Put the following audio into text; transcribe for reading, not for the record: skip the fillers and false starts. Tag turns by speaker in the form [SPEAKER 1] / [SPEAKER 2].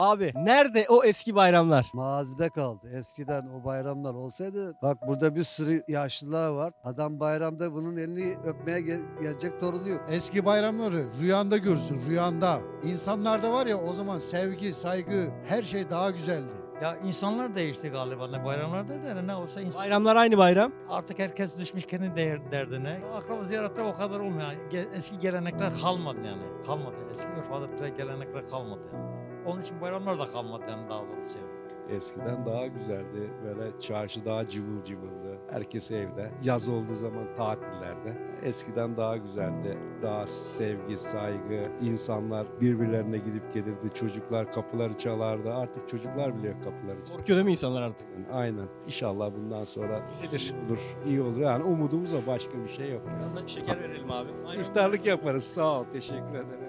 [SPEAKER 1] Abi nerede o eski bayramlar?
[SPEAKER 2] Mazide kaldı. Eskiden o bayramlar olsaydı bak burada bir sürü yaşlılar var. Adam bayramda bunun elini öpmeye gelecek torunu yok.
[SPEAKER 3] Eski bayramları rüyanda görsün, rüyanda. İnsanlarda var ya o zaman sevgi, saygı, her şey daha güzeldi.
[SPEAKER 4] Ya insanlar değişti galiba ne bayramlarda da ne olsa insan.
[SPEAKER 1] Bayramlar aynı bayram.
[SPEAKER 4] Artık herkes düşmüş kendi derdine. Akraba ziyaretleri o kadar olmuyor. Eski gelenekler kalmadı yani. Kalmadı. Eski örf adetler, gelenekler kalmadı yani. Onun için bayramlar da kalmadı yani daha doğrusu.
[SPEAKER 5] Eskiden daha güzeldi. Böyle çarşı daha cıvıl cıvıldı. Herkes evde. Yaz olduğu zaman tatillerde. Eskiden daha güzeldi. Daha sevgi, saygı. İnsanlar birbirlerine gidip gelirdi. Çocuklar kapıları çalardı. Artık çocuklar bile yok kapıları çalardı.
[SPEAKER 1] Korkuyor değil mi insanlar artık?
[SPEAKER 5] Aynen. İnşallah bundan sonra
[SPEAKER 1] Düzelir.
[SPEAKER 5] olur. İyi olur. Yani umudumuz o. Başka bir şey yok.
[SPEAKER 1] Sana şeker verelim abi.
[SPEAKER 5] İftarlık yaparız. Sağ ol. Teşekkür ederim.